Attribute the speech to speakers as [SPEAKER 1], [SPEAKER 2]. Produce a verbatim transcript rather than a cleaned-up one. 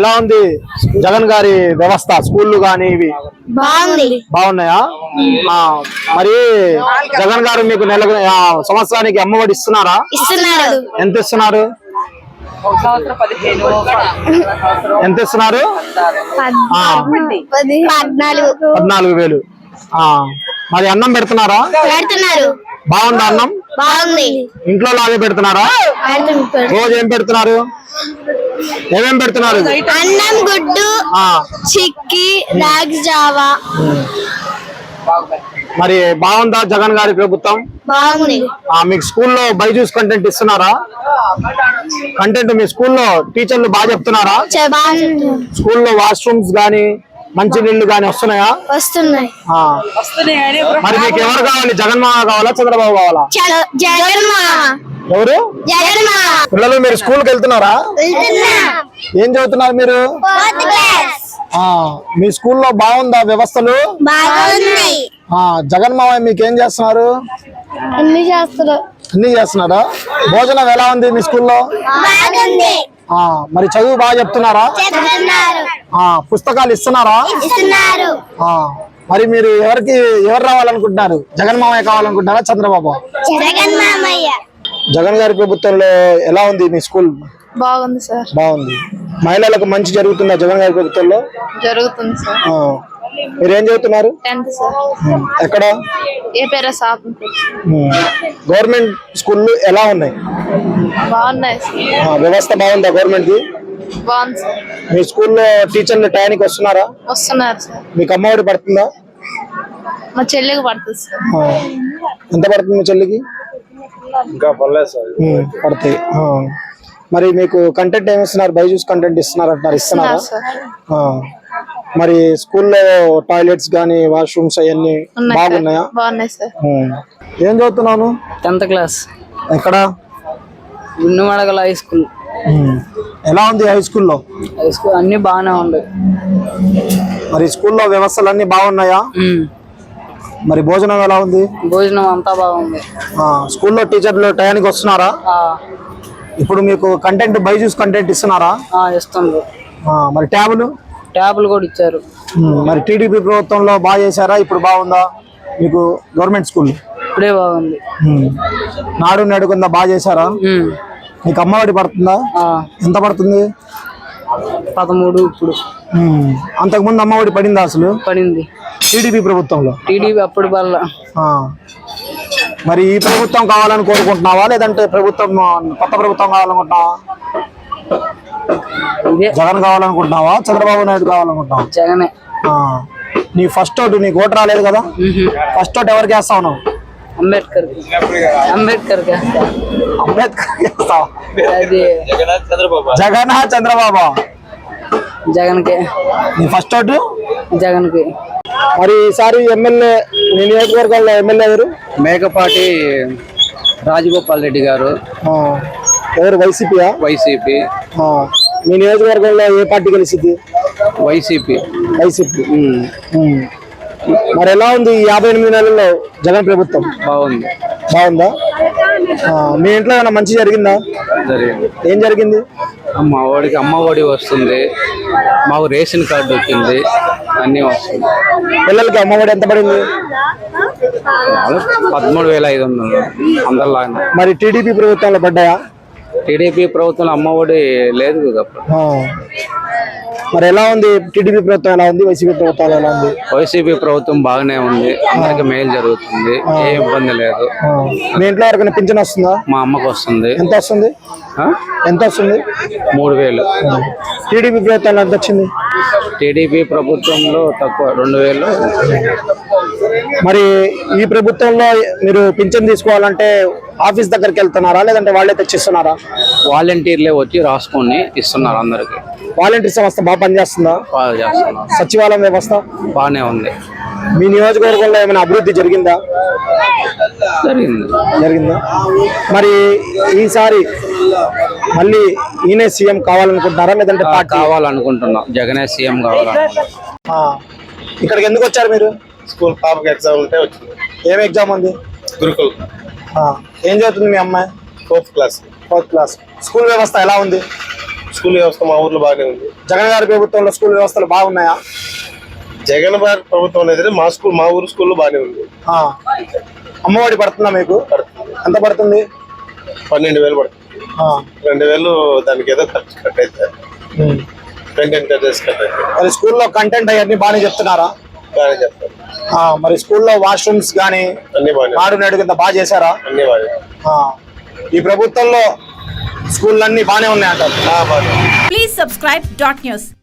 [SPEAKER 1] ఎలా ఉంది జగన్ గారి వ్యవస్థ? స్కూళ్ళు గానీ ఇవి బాగున్నాయా? మరి జగన్ గారు మీకు నెల సంవత్సరానికి అమ్మఒడి ఇస్తున్నారా? ఎంత ఇస్తున్నారు? ఎంత ఇస్తున్నారు? పద్నాలుగు వేలు. మరి అన్నం పెడుతున్నారా? బాగుందా అన్నం? ఇంట్లో లాగే పెడుతున్నారా? రోజు ఏం పెడుతున్నారు? ఏమేం పెడుతున్నారు?
[SPEAKER 2] అన్నం, గుడ్డు, చిక్కి, రాగి జావా.
[SPEAKER 1] మరి బాగుందా జగన్ గారి ప్రభుత్వం? మీకు స్కూల్లో బైజూస్ కంటెంట్ ఇస్తున్నారా? కంటెంట్ మీ స్కూల్లో టీచర్లు బాగా చెప్తున్నారా? స్కూల్లో వాష్రూమ్స్ గానీ మంచి నీళ్లు గానీ వస్తున్నాయా?
[SPEAKER 2] వస్తున్నాయి.
[SPEAKER 1] మరి మీకు ఎవరు కావాలి? జగన్ మామ కావాలా, చంద్రబాబు కావాలా? ఎవరు? పిల్లలు మీరు స్కూల్కి వెళ్తున్నారా? ఏం చదువుతున్నారు మీరు? మీ స్కూల్లో బాగుందా వ్యవస్థలు? జగన్ మామ మీకు ఏం చేస్తున్నారు?
[SPEAKER 2] అన్ని చేస్తున్నారు.
[SPEAKER 1] అన్ని చేస్తున్నారా? భోజనం ఎలా ఉంది మీ స్కూల్లో? మరి చదువు బాగా చెప్తున్నారా? పుస్తకాలు ఇస్తున్నారా? మరి మీరు ఎవరికి ఎవరు రావాలనుకుంటున్నారు? జగన్ మామయ్య కావాలనుకుంటున్నారా, చంద్రబాబు? జగన్ గారి ప్రభుత్వంలో ఎలా ఉంది మీ స్కూల్?
[SPEAKER 2] బాగుంది సార్.
[SPEAKER 1] బాగుంది. మహిళలకు మంచి జరుగుతుందా జగన్ గారి ప్రభుత్వంలో?
[SPEAKER 2] జరుగుతుంది సార్.
[SPEAKER 1] మీరు ఏం చదువుతున్నారు?
[SPEAKER 2] Tenth sir.
[SPEAKER 1] ఎక్కడ?
[SPEAKER 2] ఏ పేరు?
[SPEAKER 1] గవర్నమెంట్ స్కూళ్ళు ఎలా ఉన్నాయి?
[SPEAKER 2] బాగున్నాయి.
[SPEAKER 1] వ్యవస్థ బాగుందా గవర్నమెంట్ ది?
[SPEAKER 2] బాగుంది సార్.
[SPEAKER 1] మీ స్కూల్లో టీచర్లు టైంకి వస్తున్నారా?
[SPEAKER 2] వస్తున్నారు సార్.
[SPEAKER 1] మీకు అమ్మఒడి పడుతుందా?
[SPEAKER 2] మా చెల్లికి పడుతుంది సార్.
[SPEAKER 1] ఎంత పడుతుంది మీ చెల్లికి?
[SPEAKER 3] ఇంకా పర్లేదు సార్.
[SPEAKER 1] పడతాయి. మరి మీకు కంటెంట్ ఏమి ఇస్తున్నారు? బైజూస్ కంటెంట్ ఇస్తున్నారు అంటారు, ఇస్తున్నారా? మరి స్కూల్లో టాయిలెట్స్ గానీ వాష్రూమ్స్ అవన్నీ బాగున్నాయా?
[SPEAKER 2] బాగున్నాయి సార్.
[SPEAKER 1] ఏం చదువుతున్నాను?
[SPEAKER 4] Tenth class.
[SPEAKER 1] ఎక్కడ?
[SPEAKER 4] Gundumadagala high school.
[SPEAKER 1] ఎలా ఉంది హై స్కూల్లో?
[SPEAKER 4] హై స్కూల్ అన్ని బాగానే ఉంది.
[SPEAKER 1] మరి స్కూల్లో వ్యవస్థలు అన్ని బాగున్నాయా? మరి భోజనం ఎలా ఉంది?
[SPEAKER 4] భోజనం అంతా బాగుంది.
[SPEAKER 1] స్కూల్లో టీచర్లు టయానికి వస్తున్నారా? ఇప్పుడు మీకు కంటెంట్ బైజూస్ కంటెంట్ ఇస్తున్నారా?
[SPEAKER 4] ఇస్తున్నారు.
[SPEAKER 1] మరి ట్యాబులు?
[SPEAKER 4] ట్యాబులు కూడా ఇచ్చారు.
[SPEAKER 1] మరి టీడీపీ ప్రభుత్వంలో బాగా చేశారా? ఇప్పుడు బాగుందా మీకు గవర్నమెంట్ స్కూల్?
[SPEAKER 4] ఇప్పుడే బాగుంది.
[SPEAKER 1] నాడు నేడు కింద బాగా చేశారా? మీకు అమ్మఒడి పడుతుందా? ఎంత పడుతుంది?
[SPEAKER 4] పదమూడు. ఇప్పుడు
[SPEAKER 1] అంతకుముందు అమ్మఒడి పడిందా? అసలు
[SPEAKER 4] పడింది
[SPEAKER 1] టీడీపీ ప్రభుత్వంలో.
[SPEAKER 4] టీడీపీ అప్పుడు వల్ల.
[SPEAKER 1] మరి ఈ ప్రభుత్వం కావాలని కోరుకుంటున్నావా, లేదంటే ప్రభుత్వం కొత్త ప్రభుత్వం కావాలనుకుంటున్నావా? జగన్ కావాలనుకుంటున్నావా, చంద్రబాబు నాయుడు కావాలనుకుంటున్నావా?
[SPEAKER 4] జగనే.
[SPEAKER 1] నీ ఫస్ట్ ఓటు, నీకు ఓటు రాలేదు కదా? ఫస్ట్ ఓటు ఎవరికి వేస్తావు నువ్వు?
[SPEAKER 4] అంబేద్కర్. అంబేద్కర్
[SPEAKER 1] అంబేద్కర్ వేస్తావా?
[SPEAKER 4] జగన్
[SPEAKER 1] చంద్రబాబు?
[SPEAKER 4] జగన్కే.
[SPEAKER 1] నీ ఫస్ట్ ఓటు
[SPEAKER 4] జగన్కి.
[SPEAKER 1] మరి ఈసారి ఎమ్మెల్యే నీ నియోజకవర్గంలో ఎమ్మెల్యే ఎవరు?
[SPEAKER 5] మేకపాటి రాజగోపాల్ రెడ్డి గారు.
[SPEAKER 1] ఎవరు? వైసీపీయా?
[SPEAKER 5] వైసీపీ.
[SPEAKER 1] మీ నియోజకవర్గంలో ఏ పార్టీ గెలిచింది?
[SPEAKER 5] వైసీపీ.
[SPEAKER 1] వైసీపీ. మరి ఎలా ఉంది ఈ యాభై ఎనిమిది నెలల్లో జగన్ ప్రభుత్వం?
[SPEAKER 5] బాగుంది.
[SPEAKER 1] బాగుందా? మీ ఇంట్లో ఏమైనా మంచి జరిగిందా?
[SPEAKER 5] జరిగింది.
[SPEAKER 1] ఏం జరిగింది?
[SPEAKER 5] అమ్మ ఒడికి అమ్మ ఒడి వస్తుంది, మాకు రేషన్ కార్డు వచ్చింది, అన్నీ వస్తుంది.
[SPEAKER 1] పిల్లలకి అమ్మ ఒడి ఎంత పడింది?
[SPEAKER 5] పదమూడు వేల ఐదు వందలు అందరిలా.
[SPEAKER 1] మరి టీడీపీ ప్రభుత్వంలో పడ్డాయా?
[SPEAKER 5] టీడీపీ ప్రభుత్వంలో అమ్మ ఒడి లేదు కదా.
[SPEAKER 1] మరి ఎలా ఉంది టీడీపీ ప్రభుత్వం? ఎలా ఉంది వైసీపీ ప్రభుత్వం? ఎలా ఉంది?
[SPEAKER 5] వైసీపీ ప్రభుత్వం బాగానే ఉంది, అందరికి మేలు జరుగుతుంది, ఏ ఇబ్బంది లేదు.
[SPEAKER 1] మీ ఇంట్లో ఎవరికైనా పింఛన్ వస్తుందా?
[SPEAKER 5] మా అమ్మకు వస్తుంది.
[SPEAKER 1] ఎంత వస్తుంది? ఎంత వస్తుంది?
[SPEAKER 5] మూడు వేలు.
[SPEAKER 1] టీడీపీ ప్రభుత్వంలో ఎంత వచ్చింది?
[SPEAKER 5] టీడీపీ ప్రభుత్వంలో తక్కువ, రెండు వేలు.
[SPEAKER 1] మరి ఈ ప్రభుత్వంలో మీరు పింఛన్ తీసుకోవాలంటే ఆఫీస్ దగ్గరికి వెళ్తున్నారా, లేదంటే వాళ్ళే తెచ్చిస్తున్నారా?
[SPEAKER 5] వాలంటీర్లే వచ్చి రాసుకొని ఇస్తున్నారు అందరికి.
[SPEAKER 1] వాలంటీర్ సంస్థ బాగా పనిచేస్తుందా?
[SPEAKER 5] బాగా చేస్తున్నారు.
[SPEAKER 1] సచివాలయం వ్యవస్థ
[SPEAKER 5] బాగానే ఉంది.
[SPEAKER 1] మీ నియోజకవర్గంలో ఏమైనా అభివృద్ధి జరిగిందా?
[SPEAKER 5] జరిగింది.
[SPEAKER 1] జరిగిందా? మరి ఈసారి మళ్ళీ ఈయనే సీఎం కావాలనుకుంటున్నారా, లేదంటే
[SPEAKER 5] కావాలనుకుంటున్నాం? జగనే సీఎం కావాలనుకుంటున్నాం.
[SPEAKER 1] ఇక్కడికి ఎందుకు వచ్చారు మీరు?
[SPEAKER 3] స్కూల్ పాపకి ఎగ్జామ్ ఉంటే వచ్చింది.
[SPEAKER 1] ఏం ఎగ్జామ్ ఉంది?
[SPEAKER 3] గురుకుల్.
[SPEAKER 1] ఏం చదువుతుంది మీ అమ్మాయి?
[SPEAKER 3] Fourth class.
[SPEAKER 1] Fourth class. School వ్యవస్థ ఎలా ఉంది?
[SPEAKER 3] స్కూల్ వ్యవస్థ మా ఊర్లో బాగానే ఉంది.
[SPEAKER 1] జగన్ గారి ప్రభుత్వంలో స్కూల్ వ్యవస్థలు బాగున్నాయా?
[SPEAKER 3] జగన్ గారి ప్రభుత్వం అనేది మా స్కూల్ మా ఊరు స్కూల్లో బాగానే ఉంది.
[SPEAKER 1] ఆ. అమ్మఒడి పడుతుందా మీకు?
[SPEAKER 3] పడుతుంది.
[SPEAKER 1] ఎంత పడుతుంది?
[SPEAKER 3] పన్నెండు వేలు పడుతుంది.
[SPEAKER 1] ఆ.
[SPEAKER 3] రెండు వేలు దానికి ఏదో ఖర్చు కట్ అయితే
[SPEAKER 1] ఉమ్.
[SPEAKER 3] కంటెంట్ కట్టేసి కట్ అయితే
[SPEAKER 1] మరి స్కూల్లో కంటెంట్ అవన్నీ బాగానే చెప్తున్నారా?
[SPEAKER 3] బాగానే చెప్తారు.
[SPEAKER 1] ఆ, మరి స్కూల్లో వాష్రూమ్స్ కానీ
[SPEAKER 3] అన్ని బాగానే
[SPEAKER 1] నాడు నేడు కింద బాగా చేశారా?
[SPEAKER 3] అన్ని బాగానే
[SPEAKER 1] ఆ. ఈ ప్రభుత్వంలో స్కూళ్ళన్నీ బాగానే ఉన్నాయంటారు.
[SPEAKER 3] బాగానే
[SPEAKER 6] Please subscribe dot news.